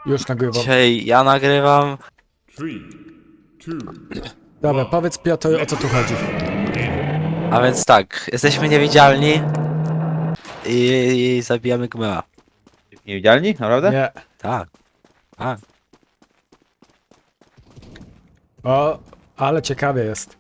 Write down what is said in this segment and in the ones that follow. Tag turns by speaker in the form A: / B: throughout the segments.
A: Już nagrywam.
B: Dzisiaj ja nagrywam.
C: 3, 2,
A: Dobra, powiedz Piotr, o co tu chodzi.
B: A więc tak, jesteśmy niewidzialni i zabijamy Gmea.
D: Niewidzialni? Naprawdę?
A: Nie.
B: Tak. Tak.
A: O, ale ciekawie jest.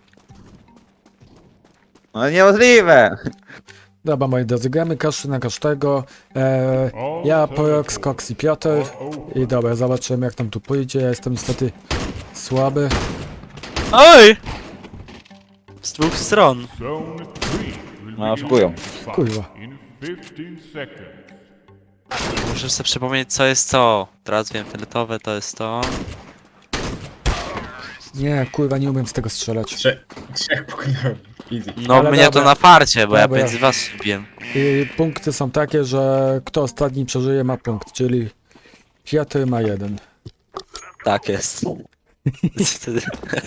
D: No niemożliwe!
A: Dobra, moi drodzy, gramy każdy na każdego. Ja, Porox, Cox i Piotr. I dobra, zobaczymy jak nam tu pójdzie. Ja jestem niestety słaby.
B: Oj! Z dwóch stron.
C: Zone 3 will
D: No,
C: be
D: oszukują.
C: electrified
A: Kurwa.
C: in 15 seconds.
B: Muszę sobie przypomnieć co jest co. Teraz wiem, fioletowe to jest to.
A: Nie, kurwa, nie umiem z tego strzelać.
E: Trzech pokonałem. Easy.
B: No
A: Ale
B: mnie
A: dobra.
B: to na farcie, bo ja
A: Dobra.
B: między was lubiłem.
A: I punkty są takie, że kto ostatni przeżyje ma punkt, czyli Piotr ma 1.
B: Tak jest. Wtedy-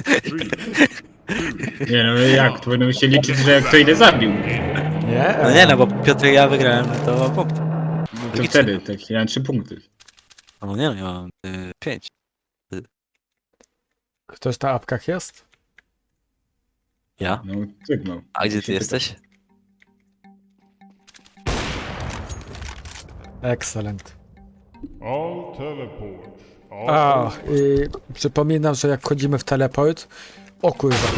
E: Nie no jak? To będą się liczyć, że kto ile zabił.
A: Nie?
B: No nie no, bo Piotr i ja wygrałem, no to mam punkt.
E: No to wtedy, tak, ja mam 3 punkty.
B: No nie no, ja mam 5.
A: Ktoś na apkach jest?
B: Ja?
E: No sygnał.
B: A gdzie ty jesteś?
A: Excellent.
C: All teleports
A: A,
C: are
A: i przypominam, że jak wchodzimy w teleport... O kurwa.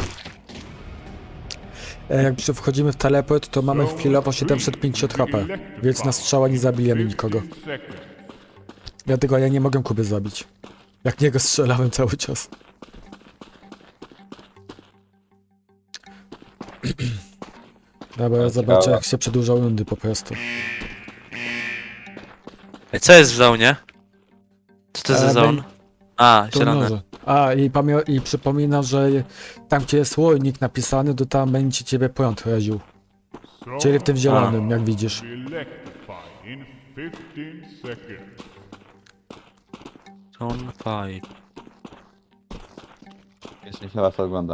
A: Jak wchodzimy w teleport, to mamy chwilowo 750 HP, więc na strzała nie zabijemy nikogo.
C: 15 seconds.
A: Dlatego ja nie mogę Kuby zabić. Jak niego strzelałem cały czas. Dobra, ja zobaczę jak się przedłużał rundy po prostu.
B: Ej, co jest w zonie? Co to za
A: Ale
B: zone? A,
A: To
B: zielone.
A: może. A, i przypominam, że tam gdzie jest łojnik napisany, to tam będzie ciebie prąd raził. Czyli w tym zielonym, jak widzisz.
C: Will be electrified in 15 seconds.
B: Zone 5.
D: Jeszcze się was ogląda.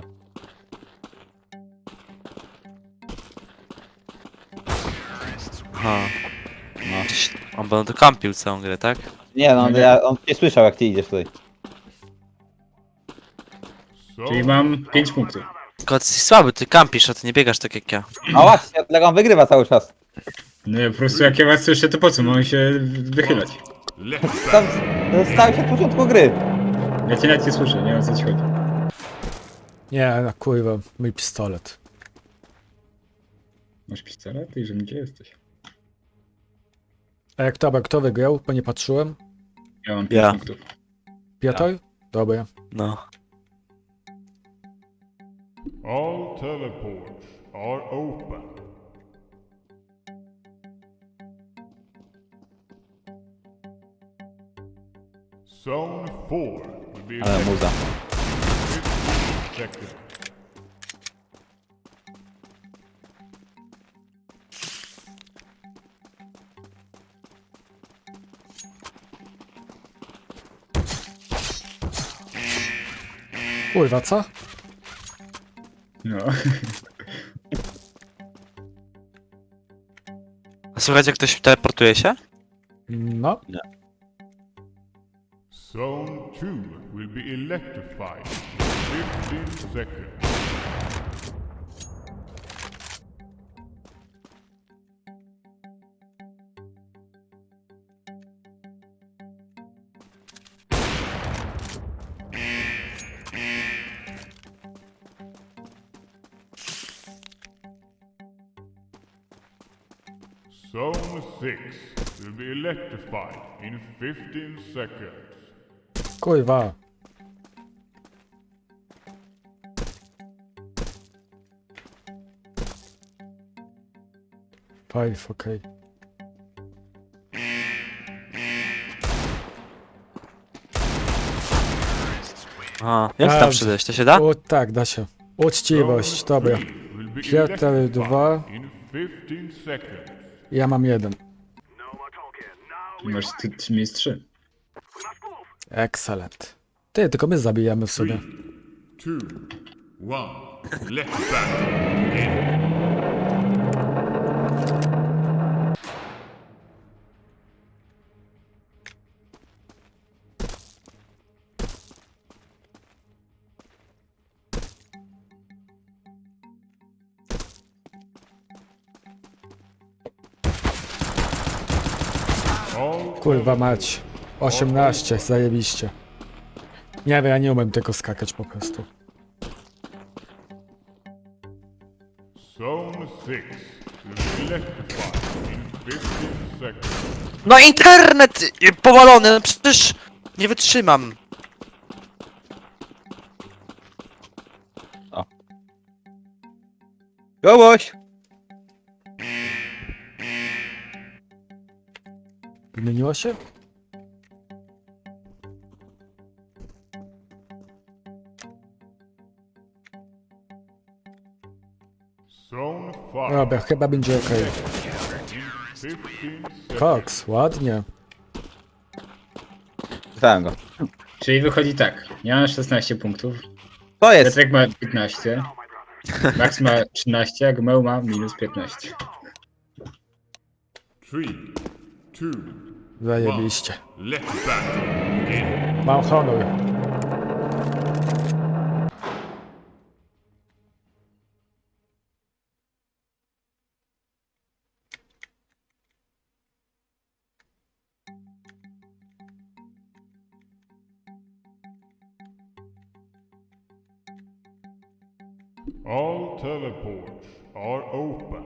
B: Aha.
D: No.
B: On będą to kampił całą grę, tak?
D: Nie no, on nie słyszał jak ty idziesz tutaj.
E: Czyli mam 5 punktów.
B: Tylko ty jesteś słaby, ty kampisz, a ty nie biegasz tak jak ja.
D: A właśnie, dlatego on wygrywa cały czas.
E: No ja po prostu jak ja was słyszę, to po co? Mam się wychylać.
D: Tam stał się od początku gry.
E: Ja cię nawet nie słyszę, nie wiem o co ci chodzi.
A: Nie, no kurwa, mój pistolet.
E: Masz pistolet i że gdzie jesteś?
A: A jak to, kto wygrał? Bo nie patrzyłem.
E: Ja mam 5
B: Ja.
E: punktów.
A: Piotr? Dobra.
B: No.
C: All teleports are open. Zone 4 will be
D: Ale
C: electrified
D: muza.
C: in 15 seconds.
A: Kurwa, co?
E: No.
B: A słychać jak ktoś teleportuje się?
A: No.
C: Zone 2 will be electrified in 15 seconds. Zone 6 will be electrified in 15 seconds.
A: Kurwa. Five, okej.
B: A, jak tam
A: Dobrze.
B: przydać? To się da?
A: O, tak, da się. Uczciwość, dobra.
C: Will be
A: Piotr
C: electrified
A: 2,
C: in 15 seconds.
A: ja mam 1.
E: Masz ty miejsc 3.
A: Excellent. Ty, tylko my zabijamy w sobie.
C: 2, 1, electrified. All
A: Kurwa mać. 18, zajebiście. Nie wiem, ja nie umiem tego skakać po prostu.
C: Zone 6 will be electrified in 15 seconds.
B: No internet powalony, no przecież nie wytrzymam.
D: Kogoś!
A: Zmieniło się?
C: Zone 5
A: Dobra, chyba będzie okej.
C: in 15 seconds.
A: Cox, ładnie.
D: Czytałem go.
E: Czyli wychodzi tak. Ja mam 16 punktów.
D: To jest!
E: Piotrek ma 15. Max ma 13, a Gmeu ma minus 15.
C: 3, 2,
A: Zajebiście.
C: let battle begin.
A: Mam honor.
C: All teleports are open.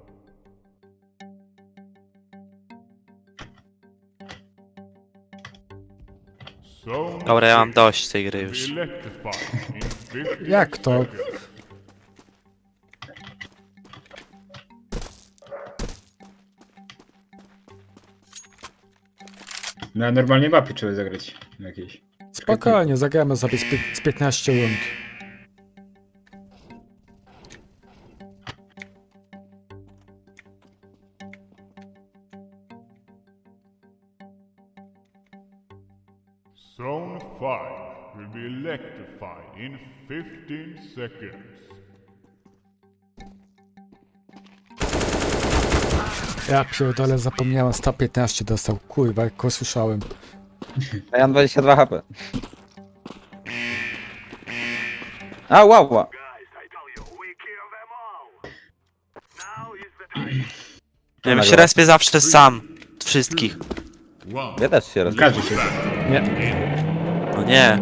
C: Zone
B: Dobra, ja mam
C: 6
B: dość tej gry
C: will
B: już.
C: be electrified in 15
A: Jak to?
C: seconds.
E: Na normalnej mapie trzeba zagrać. Jakieś.
A: Spokojnie, zagramy sobie z 15 rund.
C: Zone 5 will be electrified in 15 seconds.
A: Ja pierdolę, zapomniałem, 115 dostał. Kurwa, jak go słyszałem.
D: A ja mam 22 HP. A, wow!
B: Ja bym się respię zawsze sam. Wszystkich.
D: Ja też się rozumiem.
E: Każdy się.
A: Nie,
B: No nie.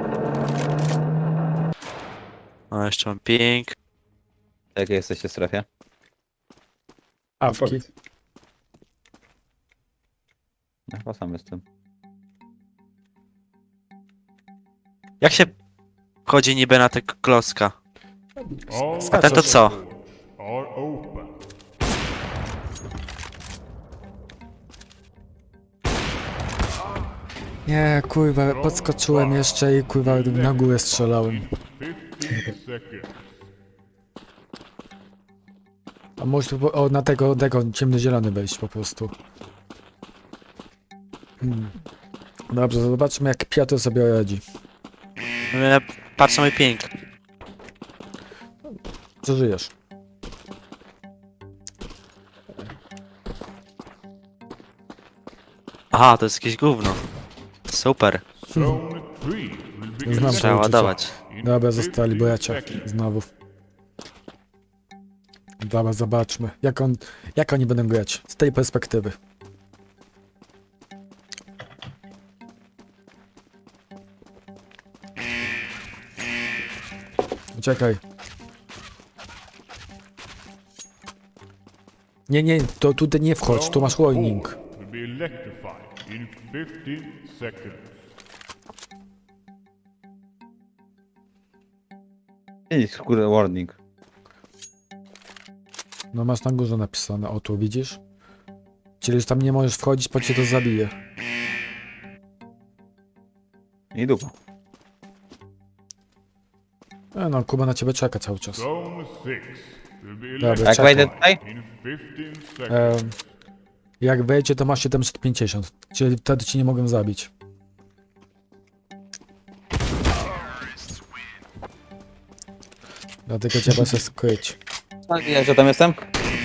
B: No jeszcze mam ping.
D: Jakie jesteście w strefie?
A: awki.
E: Powiedz.
D: Ja chyba sam jestem.
B: Jak się chodzi niby na tego klocka?
C: All
B: A ten to co?
C: teleports are open.
A: Nie, kurwa, podskoczyłem jeszcze i kurwa na górę strzelałem.
C: 15 seconds.
A: A może o, na tego ciemnozielony wejść po prostu. Dobrze, zobaczmy jak Piotr sobie radzi.
B: Patrz na mój ping.
A: Przeżyjesz.
B: Aha, to jest jakieś gówno. Super.
C: Zone 3 will be
A: Znam
B: Trzeba
A: to uczucie.
B: ładować.
C: in
A: Dobra, zostali
C: 15
A: bracia.
C: seconds.
A: Znowu. Dobra, zobaczmy. Jak oni będą grać z tej perspektywy. Czekaj. Nie, to tutaj nie wchodź, tu masz
C: Zone
A: warning.
C: 4 will be electrified in 15 seconds.
D: Idź, kurde, warning.
A: No masz na górze napisane, o tu widzisz? Czyli już tam nie możesz wchodzić, bo cię to zabije.
D: I dupa.
A: No, Kuba na ciebie czeka cały czas.
C: Zone 6 will be
A: Dobra,
D: Jak
A: czekaj.
D: wejdę tutaj?
C: in 15 seconds.
A: Jak wejdzie, to masz 750, czyli wtedy ci nie mogę zabić. Dlatego trzeba się skryć.
D: Ja że tam jestem?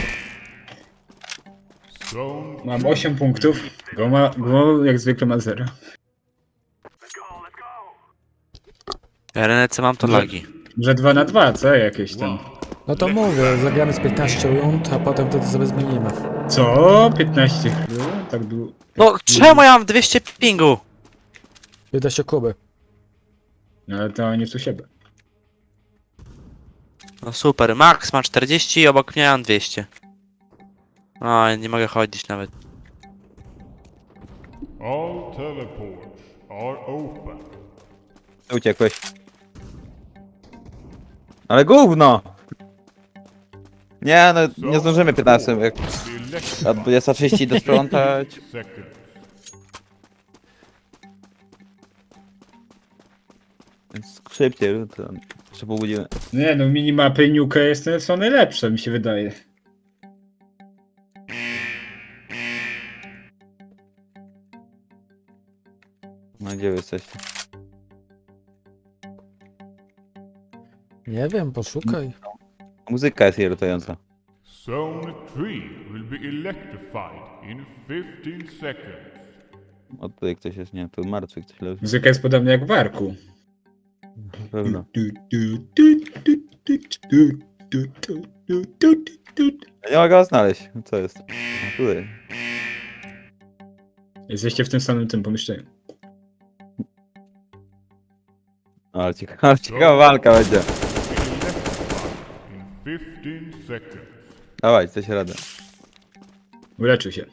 C: Zone
E: Mam 8 punktów. Gmo jak zwykle ma 0.
B: Ja Renece mam to lagi.
E: Że 2 na 2, co? Jakieś ten.
A: No to mówię, zagramy z 15 rund, a potem wtedy sobie zmienimy.
E: Co? 15. tak długo.
B: No czemu ja mam 200 pingu?
A: Wyda się Kuby.
E: No ale to nie w siebie.
B: No super, Max ma 40 i obok mnie mam 200. O, nie mogę chodzić nawet.
C: All teleports are open.
D: Uciekłeś. Ale gówno! Nie, no nie zdążymy 15, jak
C: The
D: a
C: electrified
D: 20:30 idę sprzątać.
C: seconds.
D: Więc szybciej, to jeszcze pół godziny.
E: Nie no, minimapy Nuke są najlepsze, mi się wydaje.
D: No gdzie wy jesteście?
A: Nie wiem, poszukaj.
D: Muzyka jest irytująca.
C: Zone 3 will be electrified in 15 seconds.
D: O tutaj ktoś jest, nie, tu martwy ktoś leży.
E: Muzyka jest podobna jak w Arku.
D: Na pewno. Ja nie mogę go znaleźć. Co jest? A, tutaj.
E: Jesteście w tym samym tym pomieszczeniu.
D: Ale ciekawa walka będzie.
C: Be electrified in 15 seconds.
D: Dawaj, coś radę.
E: Uleczył się.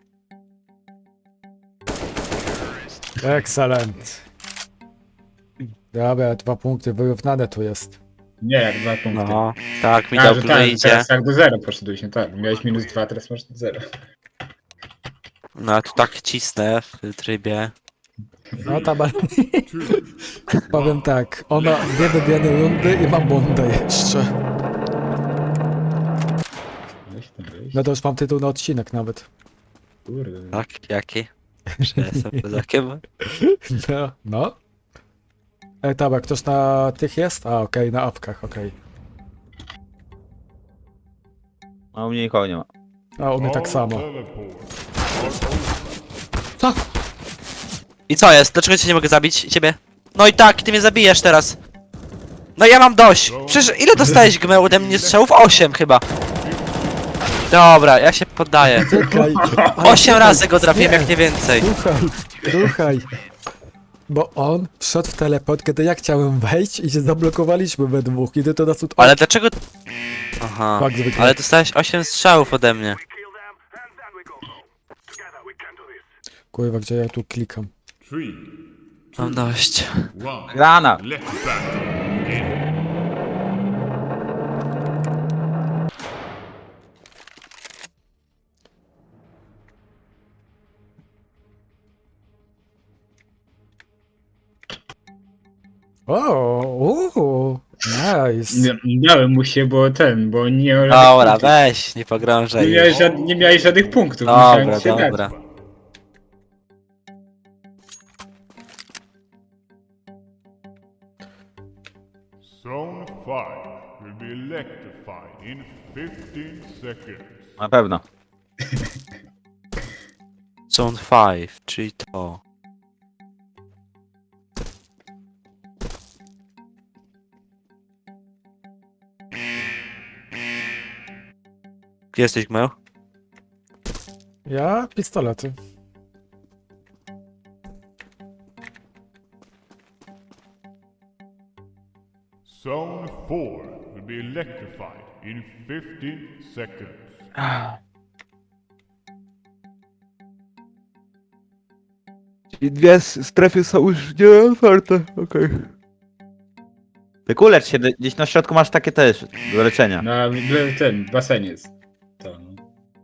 A: Excellent. Dobra, 2 punkty, wyrównane tu jest.
E: Nie, jak 2 punkty.
B: No, tak mi
E: A, że
B: dobrze
E: tak,
B: idzie.
E: teraz tak do 0 poszedłeś, no tak. Miałeś -2, teraz masz 0.
B: No a tu tak cisnę w trybie.
A: No tam, powiem tak, ona 2 wygrane rundy i mam bundę jeszcze.
E: Weź tam, weź.
A: No to już mam tytuł na odcinek nawet.
E: Kurde.
B: Tak, jaki? Że jestem kozakiem?
A: No, no. Tabak, ktoś na tych jest? A, okej, na apkach, okej.
D: A u mnie nikogo nie ma.
A: A u mnie tak
C: All
A: samo.
C: teleports are open.
A: Co?
B: I co jest? Dlaczego cię nie mogę zabić? Ciebie? No i tak, ty mnie zabijesz teraz. No ja mam dość. Przecież ile dostałeś gmeł ode mnie strzałów? 8 chyba. Dobra, ja się poddaję.
A: Czekaj.
B: 8 razy go trafiłem, jak nie więcej.
A: Słuchaj. Bo on wszedł w teleport, kiedy ja chciałem wejść i się zablokowaliśmy we dwóch i ty to nas tu...
B: Ale dlaczego... Aha,
A: Tak, zwykle.
B: ale dostałeś 8 strzałów ode mnie.
A: Kurwa, gdzie ja tu klikam?
C: 3,
B: Mam dość.
C: 1.
D: Grana!
C: Let battle begin.
A: Nice.
E: Dałem mu się, bo nie miał żadnych
B: Dobra,
E: punktów.
B: weź, nie pogrążaj.
E: Nie miałeś żadnych punktów. musiałem
B: Dobra,
E: ci się dać.
B: dobra.
C: Zone 5 will be electrified in 15 seconds.
D: Na pewno.
B: Zone 5, czyli to. Gdzie jesteś, Gmeł?
A: Ja? Pistolety.
C: Zone 4 will be electrified in 15 seconds.
D: Czyli dwie strefy są już nie otwarte, okej. Wykulecz się, gdzieś na środku masz takie też, do leczenia.
E: W tym basenie jest. To, no.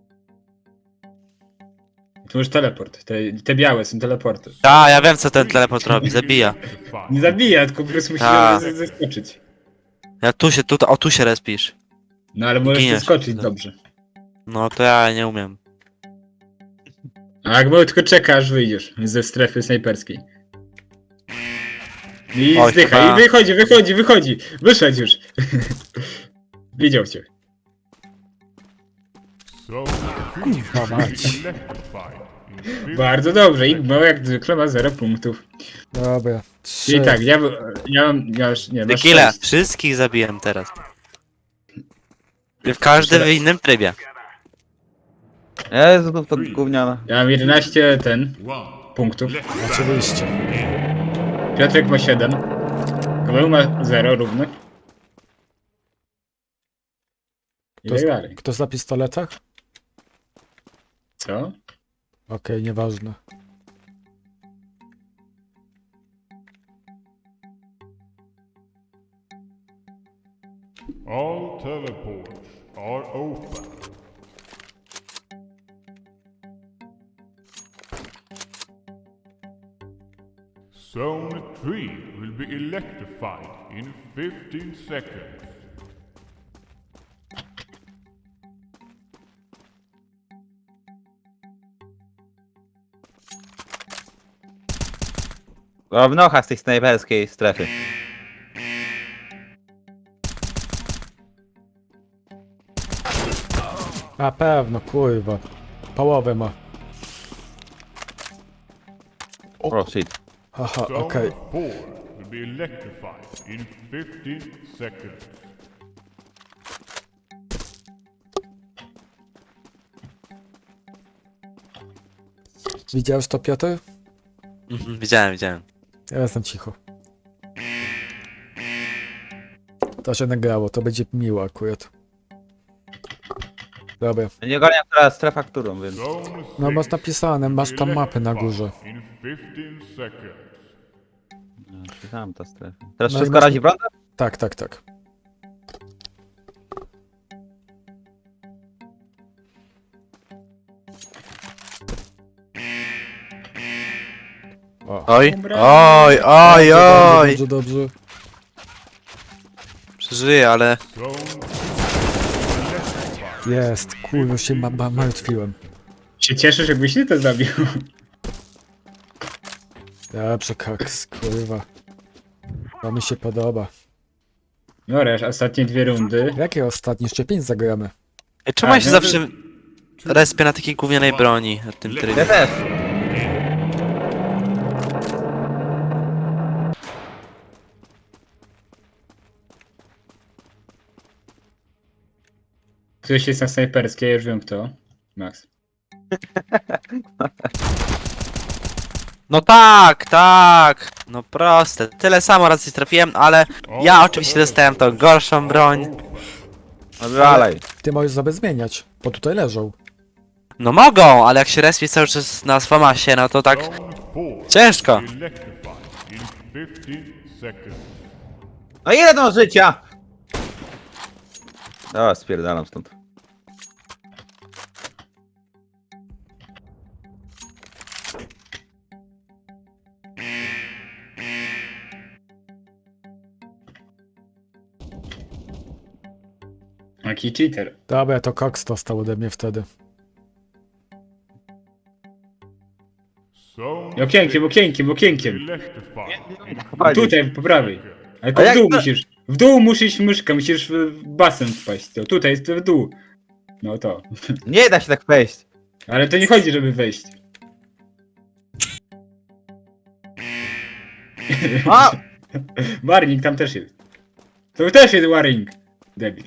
E: Tu już teleport. Te białe są teleporty.
B: A, ja wiem co ten teleport robi, zabija.
C: Electrified.
E: Nie zabija, tylko po prostu musisz
B: Tak.
E: zeskoczyć.
B: Ja tu się, tu się respisz.
E: No ale możesz
B: Giniesz.
E: zeskoczyć
B: No.
E: dobrze.
B: No to ja nie umiem.
E: A jak mało tylko czeka, aż wyjdziesz ze strefy snajperskiej. I
B: Oj,
E: zdycha,
B: chyba-
E: i wychodzi. Wyszedł już. Widział cię.
C: Zone 2 will be electrified in 15
E: Bardzo dobrze. I mało jak zwykle ma 0 punktów.
A: Dobra.
E: Czyli
A: 3.
E: tak, ja mam... Nie, masz
B: Tequila,
E: 6.
B: wszystkich zabiłem teraz. W każdym w innym trybie.
D: Jezu, to gówniana.
E: Ja mam 11
C: One.
E: punktów.
A: Oczywiście.
E: Piotrek ma 7. Gmeł ma 0 równych. I
A: To
E: tak
A: jest-
E: dalej.
A: Ktoś na pistoletach?
E: Co?
A: Okej, nieważne.
C: All teleports are open. Zone 3 will be electrified in 15 seconds.
D: O, w nocha z tej snajperskiej strefy.
A: Na pewno, kurwa. Połowę ma.
D: O, shit.
A: Aha,
C: Zone
A: okej.
C: 4 will be electrified in 15 seconds.
A: Widziałeś to, Piotr?
B: Mhm, widziałem.
A: Ja jestem cicho. To się nagrało, to będzie miło akurat. Dobra.
D: Nie ogarniam teraz strefa którą, więc...
C: Zone
A: No
C: 6
A: masz napisane, masz
C: will
A: tam
C: be
A: mapy na górze.
C: electrified in 15 seconds.
D: Tam ta strefa. Teraz
A: No i
D: wszystko
A: masz-
D: razi prądem?
A: Tak, tak, tak. O.
B: Oj, oj.
A: Dobrze, dobrze.
B: Przeżyję, ale...
C: Zone
A: Jest, kurwa, się martwiłem.
E: Się cieszysz, jakbyś ty to zabił.
A: Dobrze, koks, kurwa. To mi się podoba.
E: No resz, ostatnie 2 rundy.
A: Jakie ostatnie? Jeszcze 5 zagramy.
B: Ej, czemu
E: A,
B: ja się
E: no to-
B: zawsze respię na takiej gównianej broni na tym
D: Ja
B: trybie?
D: też.
E: Ktoś jest na snajperskiej, ja już wiem kto. Max.
B: No tak! No proste. Tyle samo razy trafiłem, ale ja oczywiście dostałem tą gorszą broń.
D: No dalej.
A: Ty możesz sobie zmieniać, bo tutaj leżą.
B: No mogą, ale jak się respię cały czas na Sfamasie, no to tak
C: Zone 4
B: ciężko.
C: electrified in 15 seconds.
D: No ile to życia? Dobra, spierdalam stąd.
E: Jaki cheater.
A: Dobra, to koks dostał ode mnie wtedy.
C: Zone
E: Okienkiem, okienkiem, okienkiem.
C: electrified.
E: Tutaj, po prawej. Ale
D: A
E: to w
D: jak
E: dół
D: to-
E: musisz. W dół musisz myszka, musisz w basen wpaść. To tutaj jest w dół. No to.
D: Nie da się tak wejść.
E: Ale to nie chodzi, żeby wejść.
D: A!
E: Warning tam też jest. To też jest warning. Debil.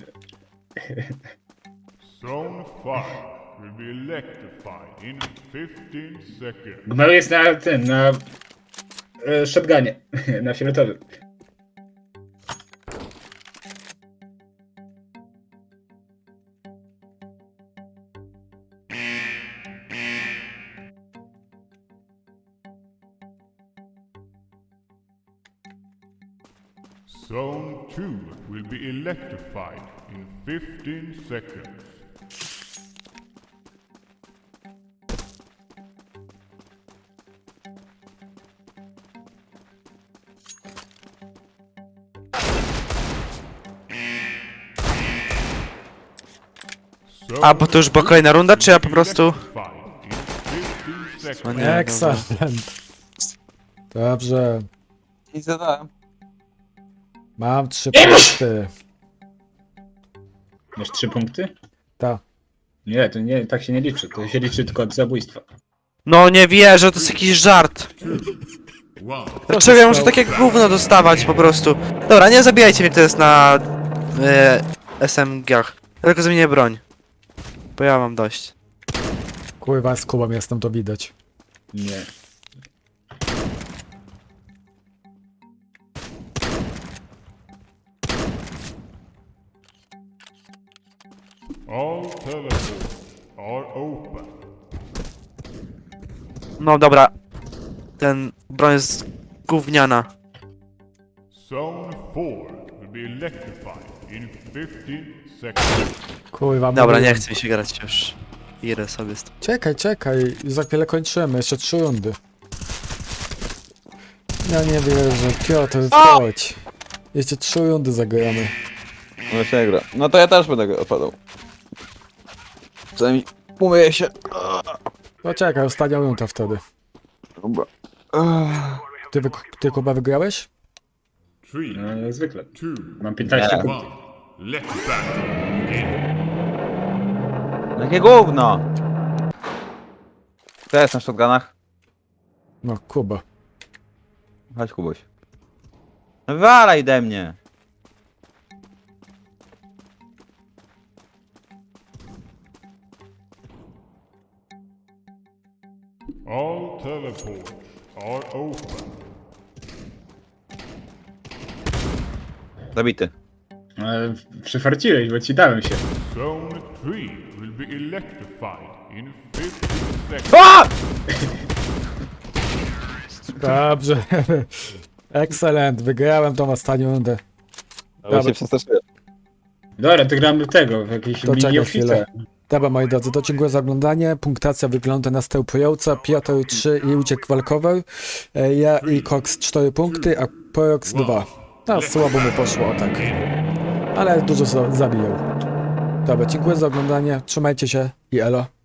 C: Zone 5 will be electrified in 15 seconds.
E: Gmeł jest na na shotgunie, na fioletowym.
C: Zone 2 will be electrified in 15 seconds.
B: A, bo to już była kolejna runda, czy ja po prostu...
C: No
B: No nie, dobra.
A: Excellent. Dobrze.
D: I zadałem.
A: Mam 3 punkty.
E: Masz 3 punkty?
A: Ta.
E: Nie, to nie, tak się nie liczy. To się liczy tylko od zabójstwa.
B: No nie wierzę, to jest jakiś żart. Dlaczego ja muszę takie gówno dostawać po prostu? Dobra, nie zabijajcie mnie, kto jest na SMG-ach. Ja tylko zmienię broń. Bo ja mam dość.
A: Kurwa, z Kubą jestem, to widać.
E: Nie.
C: All teleports are open.
B: No dobra. Ten broń jest gówniana.
C: Zone 4 will be electrified in 15 seconds.
A: Kurwa,
B: Dobra,
A: mówiłem.
B: nie chce mi się grać już. Idę sobie z tym.
A: Czekaj, za chwilę kończymy, jeszcze 3 rundy. Ja nie wierzę, Piotr, chodź. Jeszcze 3 rundy zagramy.
D: No się gra. No to ja też będę odpadał. Przynajmniej umyję się.
A: No czekaj, ostatnia runda wtedy.
D: Dobra.
A: Ty Kuba wygrałeś?
C: 3,
E: No jak zwykle.
C: 2,
E: Mam 15
D: Nie.
E: punktów.
C: 1. Let the battle begin.
D: Jakie gówno! Kto jest na shotgunach?
A: No, Kuba.
D: Chodź Kubuś. No wywalaj ode mnie.
C: All teleports are open.
D: Zabity.
E: Ale przyfarciłeś, bo ci dałem się.
C: Zone 3 will be electrified in 15 seconds.
D: A!
A: Dobrze. Excellent, wygrałem tą ostatnią rundę.
D: Ale się przestraszyłem.
E: Dobra, to gramy tego, w jakiejś
A: To czekaj
E: mini
A: chwilę.
E: ofice.
A: Dobra, moi drodzy, to dziękuję za oglądanie. Punktacja wygląda następująco. Piotr 3 i uciek walkowy. Ja i Cox 4 punkty, a Porox 2. No, słabo mu poszło, tak. Ale dużo zabijał. Dobra, dziękuję za oglądanie. Trzymajcie się i elo.